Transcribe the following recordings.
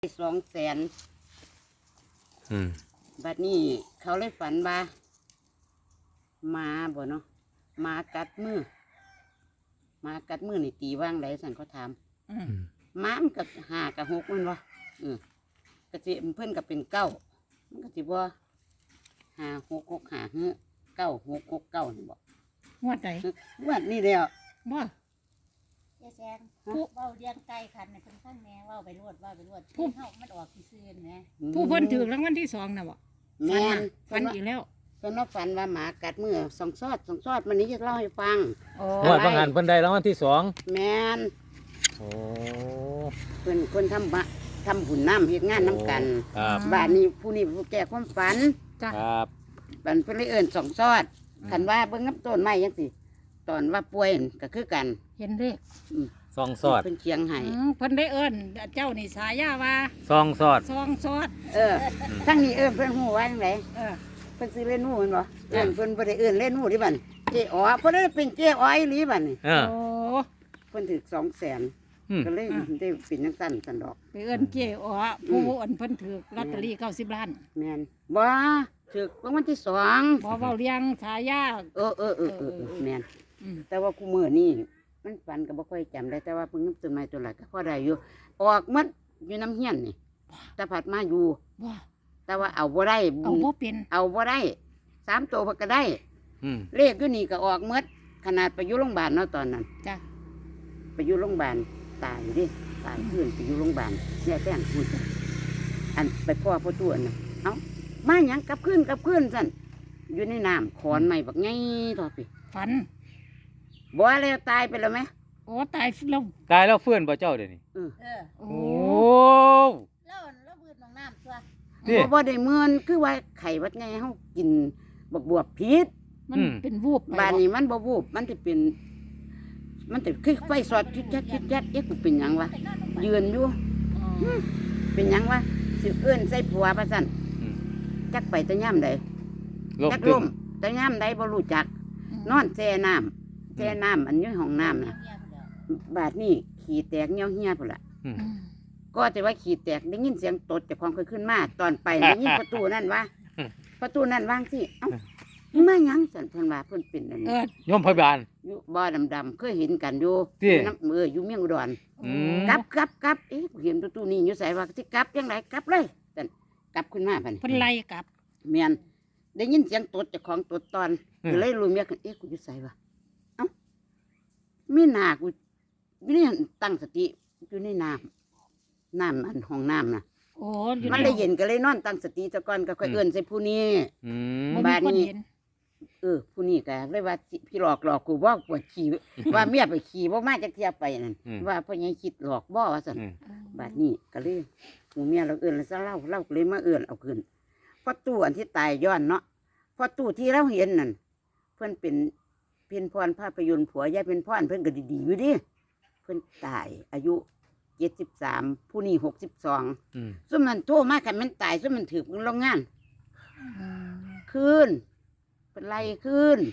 200,000บัดนี้เขาเลยฝันว่าหมาบ่เนาะหมากัดมือนี่ตีว่างไดสั่นเขาถามหมามันกับ5กับ6มันบ่กะสิเพิ่นก็เป็น9มันก็สิบ่5 6 6 5 9 6 6 9นี่บ่งวดใดงวดนี้แล้วบ่ยายแซงผู้เว้าเลี้ยงไก่คันน่ะเพิ่นฟังแหน่เว้าไปรวดผู้เฮามันออกซื่อๆแหมผู้เพิ่นถูกรางวัลที่2น่ะบ่แม่นฝันอีกแล้วเพิ่นว่าฝันว่าหมากัดมือสองซอดมันนี้จะเล่าให้ฟังงวดบางหันเพิ่นได้รางวัลที่2 แม่นโอ้เพิ่นคนทำบุญน้ำเฮ็ดงานน้ำกันบ้านนี้ผู้นี้ผู้แก่ความฝันจ้ะครับบันเพิ่นเลยเอิ้นสองซอดคันว่าเบิ่งน้ำต้นไม้จังซี่ตอนว่าป่วยก็คือกันเห็นเลขซองซอดเพิ่นเคียงให้เพิ่นได้เอิ้นเจ้านี่ฉายาว่าซองซอดทั้งนี้เอิ้นเพิ่นฮู้ว่าจังไดเพิ่นซื้อเล่นหนูแม่นบ่เอิ้นเพิ่นบ่ได้เอิ้นเล่นหนูดิบัดเจ๊อ๋อเพิ่นได้เป็นเจ๊อ๋ออีหลีบัดนี่โอ้เพิ่นถูก200,000ก็เลยได้เป็นจังซั่นซั่นดอกไปเอิ้นเจ๊อ๋อผู้อันเพิ่นถูกลอตเตอรี่90 ล้านแม่นบ่ถูกรางวัลที่2 บ่เว้าเรียงฉายาแม่นแต่ว่ากูมื้อนี้มันฝันก็บ่ค่อยจำได้แต่ว่าเพิ่นต้นไม้ต้นหลายก็พอได้อยู่ออกหมดอยู่น้ำเฮียนนี่แต่ผัดมาอยู่แต่ว่าเอาบ่ได้เอาบ่เป็นเอาบ่ได้3 ตัวเพิ่นก็ได้เลขอยู่นี่ก็ออกหมดขนาดไปอยู่โรงพยาบาลเนาะตอนนั้นจ้ะไปอยู่โรงพยาบาลตายดิตายขึ้นไปอยู่โรงพยาบาลเนี่ยแป้งพูดอันไปพ่อตัวอันน่ะเอ้ามาหยังกลับขึ้นซั่นอยู่ในน้ำขอนใหม่บักใหญ่ต่อไปฝันบ่แล้วตายไปแล้วไหมโอ้ตายแล้วฟื้นบ่เจ้าเดี๋ยวนี้โอ้แล้วบืดน้องน้ำตัวบ่ได้เมือนคือว่าไข่วัดไงเฮากินบวบพิษมันเป็นวูบบ้านนี้มันบ่วูบมันสิเป็นมันสิคือไฟสอดจิ๊ดเอ๊ะกูเป็นหยังวะยืนอยู่เป็นหยังวะสิเอื้อนใส่ผัวว่าซั่นจักไปแต่ย่ำใดจักลมแต่ย่ำใดบ่รู้จักนอนแช่น้ำอันอยู่ห้องน้ำน่ะบาดนี้ขี้แตกเหี่ยวเหี่ยพุ่นล่ะก็แต่ว่าขี้แตกได้ยินเสียงตดจากความเคยขึ้นมาตอนไปได้ยินประตูนั่นวางสิเอ้ามาหยังสั่นเพิ่นว่าเพิ่นเป็นอันนี้โยมพยาบาลอยู่บ่อดำๆเคยเห็นกันอยู่น้ำอยู่เมียงอุดรกลับเอ๊ะเห็นประตูนี้อยู่ไสว่าสิกลับจังไดกลับเลยสั่นกลับขึ้นมาบัดนี้เพิ่นไล่กลับแม่นได้ยินเสียงตดจากของตดตอนก็เลยรู้เมียกันเอ๊ะกูอยู่ไสวะเอ้ามีหน้ากูนี่ตั้งสติอยู่ในน้ำอันห้องน้ำน่ะมันเลยเย็นก็เลยนอนตั้งสติซะก่อนก็ค่อยเอื้อนใส่ผู้นี้บ้านนี้ผู้นี้ก็เลยว่าพี่หลอกกูบ่ปวดขี่ว่าเมียไปขี่บ่มาจักเที่ยไปนั่นว่าพ่อใหญ่คิดหลอกบ่ว่าซั่นบ้านนี้ก็เลยหมู่เมียเราเอื้อนแล้วซะเล่าก็เลยมาเอื้อนเอาขึ้นพอตู้อันที่ตายย้อนเนาะพอตู้ที่เราเห็นนั่นเพิ่นเป็นเพ็ญพรภาพยนตร์ผัวยายเป็นพรเพิ่นก็ดีๆอยู่ดิเพิ่นตายอายุ73ผู้นี้62ซุ่มนั้นโทรมาคันมันตายซุ่มมันถูกโรงงานคืนเป็นไรคืน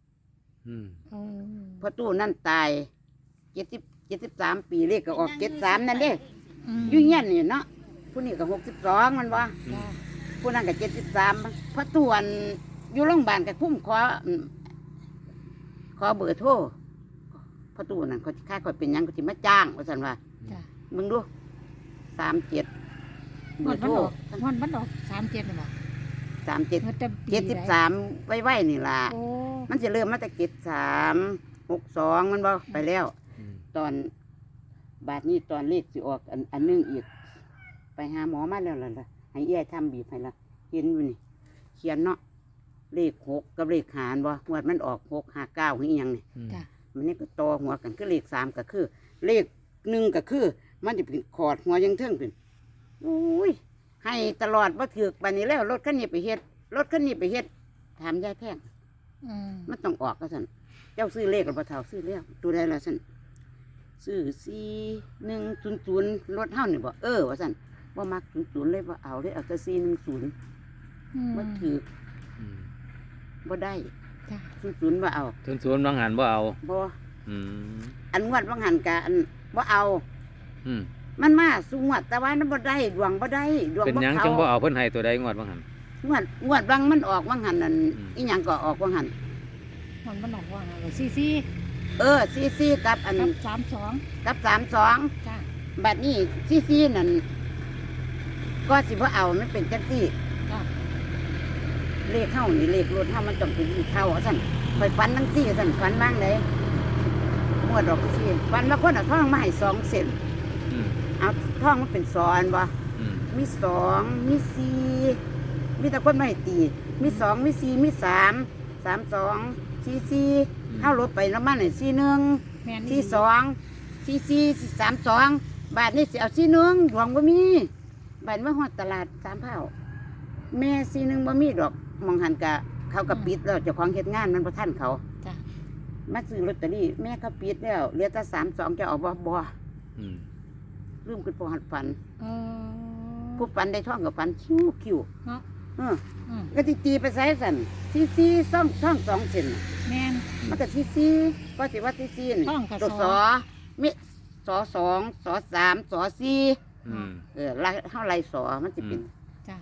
พอตู้นั่นตาย73ปีเลขก็ออก73นั่นเด้อยู่เงี้ยนนี่เนาะผู้นี้ก็62มันบ่ผู้นั้นก็73พอตู้อันอยู่โรงพยาบาลก็คุ้มขอเบอร์โทรพอตู้นั่นเขาค่าเขาเป็นยังก็สิมาจ้างว่าซั่นว่ามึงดู37เบอร์โทรมันออก37น่ะบ่ 73ไว้นี่ล่ะมันจะเริ่มมาแต่63 62มันบ่ไปแล้วตอนบาดนี้ตอนเลขสิออกอันนึงอีกไปหาหมอมาแล้วล่ะให้เอี้ยทำบีบให้ละเห็นอยู่นี่เขียนเนาะเลข6กับเลขหารบ่งวดมันออก659คืออีหยังนี่มันนี่ก็ต่อหัวกันคือเลข3ก็คือเลข1ก็คือมันจะเป็นขอดหัวยังเทิงเป็นอุ้ยให้ตลอดว่าถือกบันนี้แล้วรถคันนี้ไปเฮ็ดถามยายแพงมันต้องออกก็สั่นเจ้าซื้อเลขหรือเปล่าเท่าซื้อแล้วตัวใดละสั่นซื้อ4100รถเท่านี่บ่ว่าสั่นว่ามัก00เลยว่าเอาเลยเอาแต่410มันถือกบ่ได้00ว่าเอา 00บางหันบ่เอาบ่อันงวดบางหันกะอันบ่เอามันมาสูงวดแต่ว่ามันบ่ได้ดวงบ่ได้ดวงเป็นบ่หยังเขาจังบ่เอาเพิ่นให้ตัวใดงวดบ่หั่นงวดบางมันออกบางหันนั่นอืมอีหยังก็ออกบางหันมันออกว่าซีซีซีกับอันกับ32 กับ32 จ้าบัดนี้ซีนั่นก็สิบ่เอามันเป็นจังซี่จ้าเลขเฮานี่เลขรถเฮามันต้องเป็นเท่าซั่นข่อยฝันจังซี่ซั่นฝันบ้างไดงวดดอกซี่ฝันว่าคนเอาทองมาให้2เส้นอืมเอาทองมันเป็น2อันบ่อืมมี2มี4มีแต่คนมาให้ตีมี2มี4มี3 32 44เฮาลดไปแล้วมันให้41 แม่น 42 44 32บาทนี่สิเอา41ดวงบ่มีบาทมาฮอดตลาดสามเผาแม่41บ่มีดอกมองหันกะเขาก็ปิดแล้วเจ้าของเฮ็ดงานมันบ่ทันเขาจ้ามาซื้อลอตเตอรี่แม่ก็ปิดแล้วเหลือแต่32จะเอาบ่อืมลืมขึ้นพอหัดฝันเออผู้ฝันได้ท่องกับฝันคิ้วเนาะเอออืมก็สิตีไปใส่สั่นซีซ่องท่อง2เส้นแม่นมันก็ซีก็สิว่าซีนี่ท่องกับตัวสอมิสอ2สอ3สอ4 อืมไล่เฮาไล่สอมันสิเป็นจ้า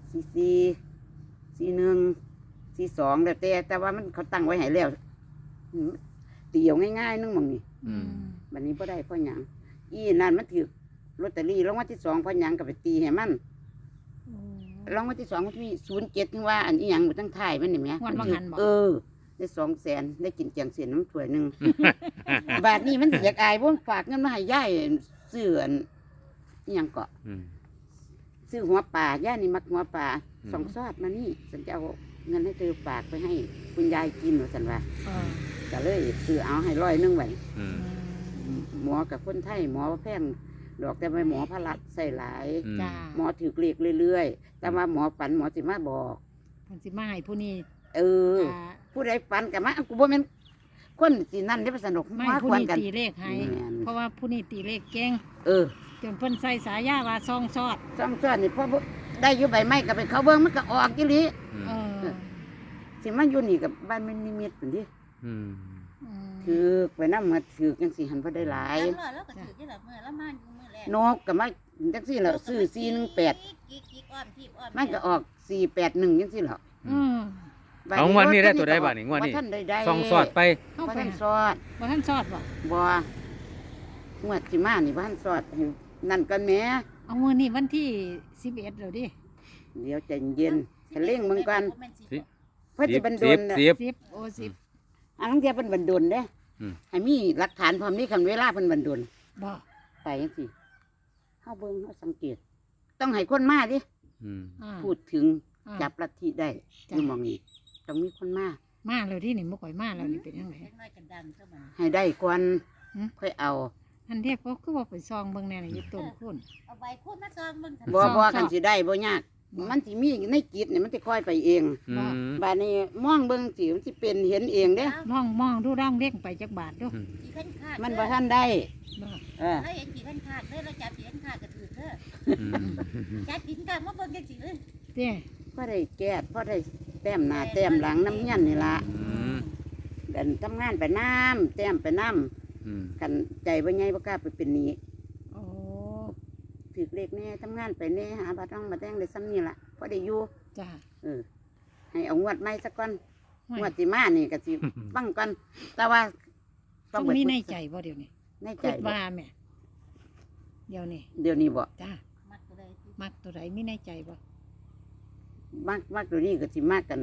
44 41 42แต่ว่ามันเขาตั้งไว้ให้แล้วอืมตีเอาง่ายๆนึงหมองนี่อืมบัดนี้บ่ได้เพราะหยังอีนั่นมันถือลอตเตอรี่รางวัลที่2เพราะหยังก็ไปตีให้มันโอ้รางวัลที่2มันมี07ถึงว่าอันอีหยังอยู่ทั้งท้ายมันนี่แหมงวดว่างั้นบ่ได้200,000ได้กินแกงเสียนน้ำถ้วยหนึง บาทนี้มันสิอยากอายบ่ฝากเงินมาให้ยายซื้ออันอีหยังเกาะอืมซื้อหัวปลาย่านี่มักหัวปลาอืมสองซอดมานี่ฉันจะเอาเงินให้เธอฝากไปให้คุณยายกินว่าฉันว่าเออก็เลยซื้อเอาให้100ไว้อืมหมอกับคนไทยหมอแพงดอกแต่ไม่หมอพระรัตใส่หลายอืมจ้าหมอถือเลขเรื่อยๆ แต่ว่าหมอฝันหมอสิมาบอกเพิ่นสิมาให้ผู้นี้เออจ้าผู้ใดฝันกับมากูบ่แม่นคนสินั่นได้อสนุกไม่มาผู้ควรนี้กันตีเลขให้แม่นเพราะว่าผู้นี้ตีเลขเก่งเออจนเพิ่นใส่สายยาว่าซองซอดซ่องซ้อนนี่พอบ่ได้อยู่ใบไม้ก็ไปเขาเบิ่งมันก็ออกอีหลีอืมเออสิมาอยู่นี่กับบ้านมันนิมิตพุ่นดิอืมถือไปนำมาถือจังสิหันบ่ได้หลายแล้วก็ถือที่ละเมื่อแล้วมาอยู่เมื่อแรกนกก็มาจังซี่ล่ะซื้อ418 กิ๊กอ้อมทีบอ้อมมันก็ออก481จังซี่ล่ะอืมบัดเอางวดนี้ได้ตัวใดบ้านี่งวดนี้บ่ทันได้ส่องสอดไปเข้าบ่ไปทันหาสอดบ่ทันซอดบ่บ่งวดสิมานี่บ่ทันสอดให้นั่นกันแหมเอามื้อนี้วันที่11แล้วดิเดี๋ยวใจเย็นให้เร่งมึงก่อนสิเพิ่นสิบันดลน่ะสิบ 10โอ้10 อันนั้นเทียเพิ่นบันดลเด้อืมให้มีหลักฐานพร้อมนี้คันเวลาเพิ่นบันดลบ่ไปจังซี่เฮาเบิ่งเฮาสังเกต ต้องให้คนมาดิอืมอ่าพูดถึงอ่าจับลัทธิได้จ้ะอยู่หมองนี้ต้องมีคนมามาแล้วที่นี่บ่ค่อยมาแล้วนี่เป็นจังไดเล็กน้อยกันดังเท่านั้นให้ได้ก่อนหืมค่อยเอาอันเทพก็คือว่าไปซองเบิ่งแน่นี่อยู่ต้นคุณเอาใบคูดมาซองมึงบ่ซ่อมบ่ซ่อมกันสิได้บ่ยากบ่มันสิมีในจิตนี่มันสิค่อยไปเองอืมบาดนี้มองเบิ่งสิมันสิเป็นเห็นเองเด้ลองมองดูร่องเล็กไปจักบาทดูกี่ขั้นขาดมันบ่ทันได้บ่เออถ้าเห็นกี่ขั้นขาดเลยเราจับกี่ขั้นขาดก็ถือเถอะอืมจับกินกันมาเบิ่งจังสิเลยเด้พอได้แก้พอได้แต้มหน้าแต้มหลังน้ำเงี้ยนนี่ล่ะอืมเดินทำงานไปน้ำแต้มไปน้ำอืมกันใจบ่ใหญ่บ่กล้าไปเป็นหนี้โอ้ถือเลขแน่ทำงานไปแน่หาบัตรต้องมาแต่งได้ซ้ำนี่ล่ะพอได้อยู่จ้าเออให้เอางวดใหม่สักก่อนห้วยงวดสิมานี่ก็สิฟังก่อนแต่ว่าต้องมีในใจบ่เดี๋ยวนี้ในใจคิดบ่ว่าแม่เดี๋ยวนี้เดี๋ยวนี้บ่จ้ามักตัวใดที่มักตัวใดมีในใจบ่มากตัวนี้ก็สิมากกัน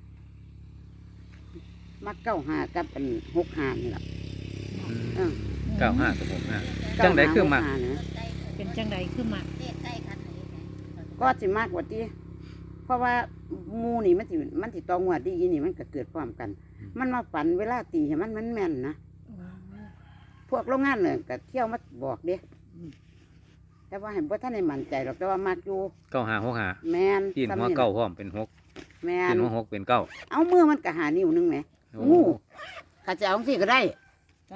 มัก95กับอัน65นี่ล่ะเออเก้าห้ากับหกห้า จังใดคือมัก 95นะใกล้เป็นจังใดคือมักเลขใกล้กันเลยไงก็สิมากกว่าที่เพราะว่าหมูนี่มันสิตองวดดีอีนี่มันก็เกิดพร้อมกัน มันมาฝันเวลาตีให้มันแม่นนะโอ้พวกโรงงานเนี่ยก็เที่ยวมาบอกเด้อืมแต่ว่าเห็นว่าท่านในมั่นใจหรอกแต่ว่ามักอยู่เก้าห้าหกห้าแมนกินหัวซ้ำนี่เก้าพร้อมเป็นหกแมกินนหัวหกเป็นเก้าเอามือมันก็หานิ้วหนึงไหมโอ้งูข้าจะเอาสิก็ได้จ้า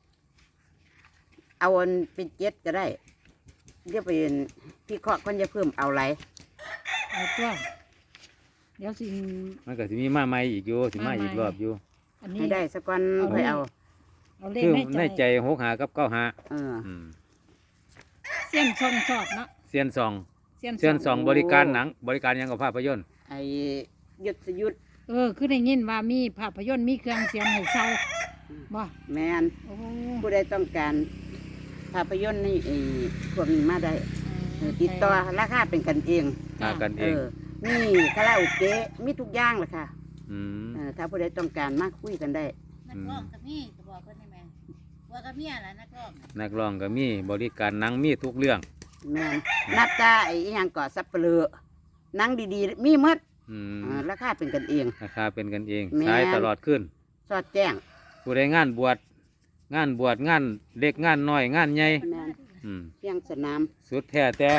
เอาอันเป็น7ก็ได้เดี๋ยวไปพี่เคราะห์คนจะเพิ่มเอาไรเอาตัวเดี๋ยวสิมันก็สิมีมาใหม่อีกอยู่สิมาอีกรอบอยู่อันนี้ให้ได้สักวันเอาค่อยเอาเอาเลขคือในในใจใจหกห้ากับเก้าห้าเอออืมเส้นช่องสอดเนาะเซียนซองเส้นเซียนซองบริการหนังบริการหยังกับภาพยนตร์ไอ้ยศยุทธคือได้ยินว่ามีภาพยนตร์มีเครื่องเสียงให้เศร้าบ่แมนโอ้ผู้ใดต้องการภาพยนตร์นี่ไอ้พวกนี้มาได้ติดต่อราคาเป็นกันเองมากันเองมีคาราโอเกะมีทุกอย่างเลยค่ะอืมถ้าผู้ใดต้องการมาคุยกันได้นักร้องกับมี่ก็บอกเพิ่นได้แม่บัวกับเมียล่ะนักร้องนักร้องก็มีบริการหนังมีทุกเรื่องแมนนับตาไอ้อิหยังก่อสับเปลือหนังดีๆ มีหมดอืมราคาเป็นกันเองราคาเป็นกันเองแม่นสายตลอดขึ้นสอดแจ้งผู้ใดงานบวชงานเล็กงานน้อยงานใหญ่แมนอืมเพียงสนามสุดแท้แต่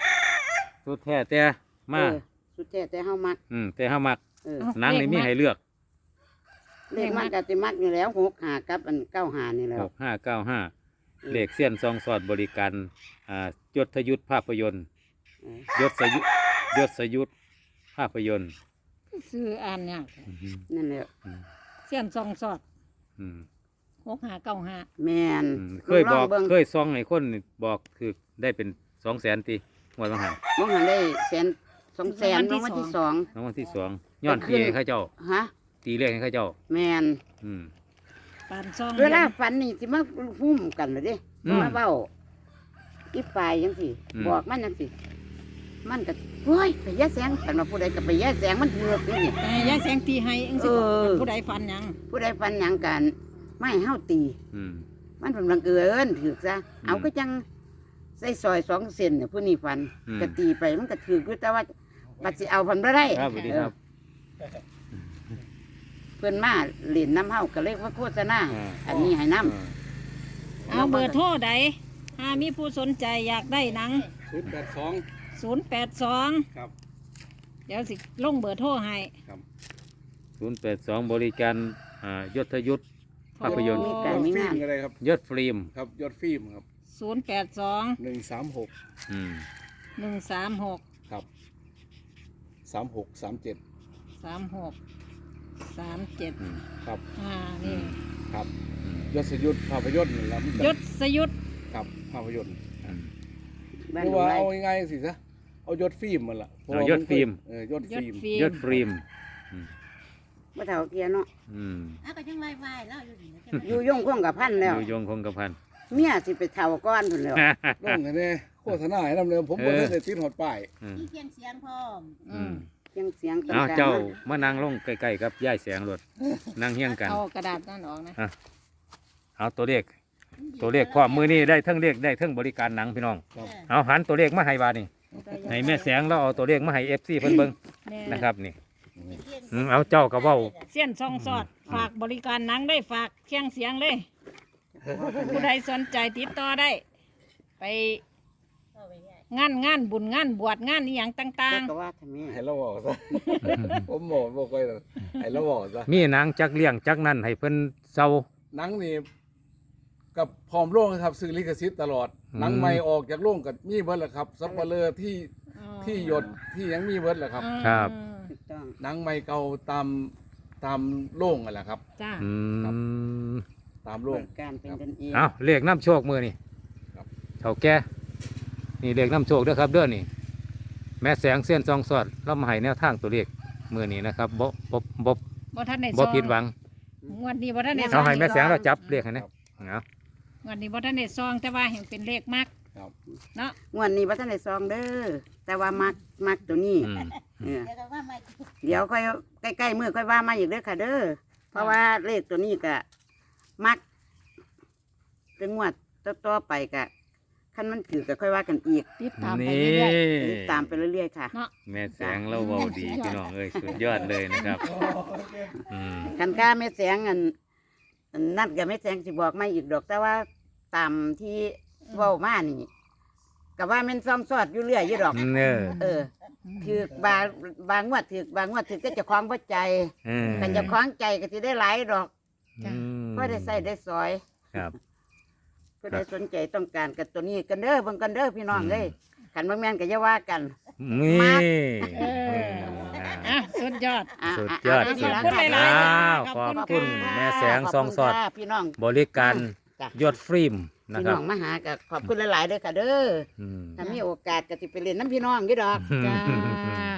มาสุดแท้แต่เฮามักแต่เฮามักเออหนังนี่มีให้เลือกเลขมักกติมักอยู่แล้ว6 5กับอัน9 5นี่แหล้ว 6595เลขเสี้ยนซองสอดบริการยศยุทธภาพยนตร์ยศยุทธภาพยนตร์ซื้ออ่านเนี่ยากนั่นแหละเส้นช่องสอดอืม 6595 แมนเคยบอกลงเบิ่งเคยซองให้คนบอกคือได้เป็น200,000ตีงวดบางหันมองหันได้100,000 200,000ลงวันที่รางวัลที่2ย้อนตีให้เขาเจ้า 2ฮะตีเลขให้เขาเจ้าแมนอืมปานซองเวลาฝันนี่สิมาหุ้มกันเลยเดิอืมมาเบ้าอีปลายยังสิอืมบอกมันยังสิมันก็โอ้ยไปแย่แสงแต่มาผู้ใดก็ไปแย่แสงมันเถือกนี่แต่ยายแสงตีให้จังซี่เออผู้ใดฟันหยังผู้ใดฟันหยังกันไม่ให้เฮาตีอืมมันเป็นบังเอิญถือกซะเอาก็จังใส่ซอย2 เซนเนี่ยผู้นี้ฟันอืมก็ตีไปมันก็ถือกอยู่แต่ว่าปัดสิเอาพันบ่ได้ครับสวัสดีครับเพิ่นมาเล่นน้ำเฮาก็เลยว่าโฆษณาอ่าอันนี้ให้น้เอาเบอร์โทรใดถ้ามีผู้สนใจอยากได้หนัง 082 082 ครับเดี๋ยวสิลงเบอร์โทรให้ 082บริการยศยุทธำภาพยนตร์มียการอดมีฟิล์งาม นก็ได้ครับยศฟิล์มครับยอดฟิล์มครับ 082 136 อืม 136 ครับ3637 36 37 อืมครับนี่ครับอืมยศยุทธภาพยนตร์นั่นแหละมันยศสยุทธครับภาพยนตร์อืมบ้านเรียกหนองว่าไร่เอาง่ายๆสิซะเอายศฟิล์มมันล่ะเพราะเอาว่ายศฟิล์มยศยศฟิล์มฟิล์ยมศฟิล์มบ่เท่าเกียเนาะอืมอ้าวก็ยังไหว้ๆแล้วอยู่นี่นะอยู่ยงคงกับพันแล้วอยู่ยงคงกระพันเมียสิไปเท่าก้อนพุ่นแล้วลงกันเนี่ยโฆษณาให้นำเลยผมบ่ได้ติดฮอดป้ายอืมมีเพียงเสียงพร้อมอืมเสียงเสียงต่างเอาๆเจ้านะมานั่งลงใกล้ๆกับย่ายแสงรถนั่งเฮี้ยงกันเอากระดาษนั่นออกนะเอาตัวเลขพร้อมมือนี่ได้ทั้งเลขได้ทั้งบริการหนังพี่น้อง เอาหันตัวเลขมาให้บาดนี่ให้แม่แสงเราเอาตัวเลขมาให้FCเพิ่นเบิ่งแม่นะครับนี่ เอาเจ้าก็เว้าเส้นซองสอดฝากบริการหนังได้ฝากเครื่องเสียงเลย ผู้ใดสนใจติดต่อได้ ไปงานบุญงานบวชงานอหย่างต่างแต่ก็ว่าทำไมให้เราบอกซะ ผมบอกบ่ค่อยหรอกให้เราบอกซะมีหนังจักเลี้ยงจักนั่นให้เพิ่นเซาหนังนี่กับพร้อมโรงครับซื้อลิขสิทธิ์ตลอดอืมหนังใหม่ออกจากโรงกับมีเบิดแหละครับซับเปลือที่ๆที่หยดที่ยังมีเบิดแหละครับครับถูกต้องหนังใหม่เก่าตามโรงนั่นแหละครับจ้าอืมตามโรบงริการเป็นกันเองเอาเลขน้ำโชคมือนี่ครับเท่าแก่นี่เลขน้ำโชคเด้อครับเด้อนี่ แม่แสงเส้นซองสอดเรามาให้แนวทางตัวเลขมือนี้นะครับบ่บ่ทันได้ซบ่องผิดหวังงวดนี้บ่ทันได้ซเอาองให้แม่แสงเราจับเลขให้นะเอางวดนี้บ่ทันได้ซองแต่ว่าเห็นเป็นเลขมากครับเนาะงวดนี้บ่ทันได้ซองเด้อแต่ว่ามักตัวนี้อืมเออแล้วก็ว่ามาเดี๋ยวค่อยใกล้ๆมือค่อยว่ามาอีกเด้อค่ะเด้อเพราะว่าเลขตัวนี้ก็มักเป็นงวดต่อๆไปก็คันมันถือก็ค่อยว่ากันอีกติดตามไปนี่เรื่อยติดตามไปเรื่อยๆค่ะๆเนาะแม่แสงเราเว้าดีพี่น้องเอ้ยสุดยอดเลยนะครับอืมคันค่าแม่แสงอันนัดกับแม่แสงสิบอกมาอีกดอกแต่ว่าตามที่เว้ามานี่ก็ว่าแมันซ่อมซอดอยู่เรื่อยอยู่ดอกเนอเออถือบางงวดถือบางงวดถือก็เจะคล้าของบ่ใจเออกันเจะคล้าของใจก็สิได้หลายดอกอืมเพราะได้ใส่ได้ซอยครับเพื่อได้สนใจต้องการกับตัวนี้กันเด้อเบิ่งกันเด้อพี่น้องเอ้ยขันบางแม่นก็อย่าว่ากันนี่เอออ่ะสุดยอดสุดยอดะสุดะขอบคุณหลายๆอ้าวขขออบบ คุคุณณค่ะแม่แสงซองสอดขบคุณค่ะพี่น้องบริการจ้ะยอดฟิล์มนะพี่คน้รับองมาหาก็ขอบคุณหลายๆเด้อค่ะเด้ออืมถ้ามีโอกาสก็สิไปเล่นน้ำพี่น้องอยู่ดอกจ้า